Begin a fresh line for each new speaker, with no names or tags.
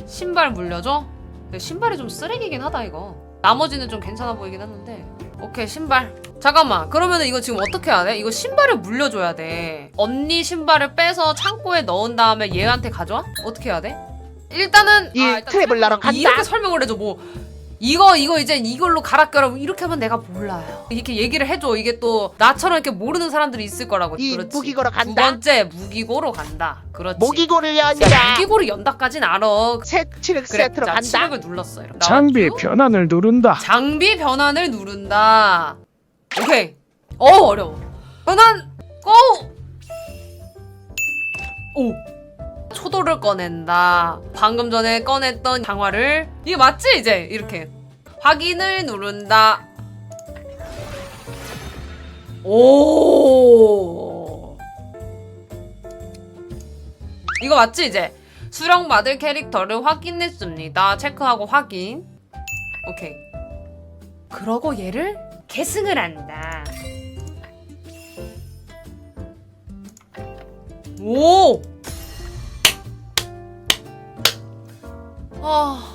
신발 물려줘? 근데 신발이 좀 쓰레기긴 하다 이거. 나머지는 좀 괜찮아 보이긴 했는데. 오케이 신발. 잠깐만 그러면은 이거 지금 어떻게 해야 돼? 이거 신발을 물려줘야 돼. 언니 신발을 빼서 창고에 넣은 다음에 얘한테 가져와? 어떻게 해야 돼? 일단은
이 트래블러로 간다.
이렇게 설명을 해줘. 뭐 이거 이제 이걸로 갈아 껴라 이렇게 하면 내가 몰라요. 이렇게 얘기를 해줘. 이게 또 나처럼 이렇게 모르는 사람들이 있을 거라고.
이
그렇지.
무기고로 간다.
두 번째 무기고로 간다. 그렇지.
모기고를
야,
연다.
무기고를 연다까진 알아.
새 칠흑
그래,
세트로
자,
간다.
칠흑을 눌렀어. 이렇게.
장비
나왔죠?
변환을 누른다.
장비 변환을 누른다. 오케이. 어려워. 변환 고! 오. 초도를 꺼낸다. 방금 전에 꺼냈던 강화를 이게 맞지 이제 이렇게 확인을 누른다. 오. 이거 맞지 이제 수령받을 캐릭터를 확인했습니다. 체크하고 확인. 오케이. 그러고 얘를 계승을 한다. 오! 아.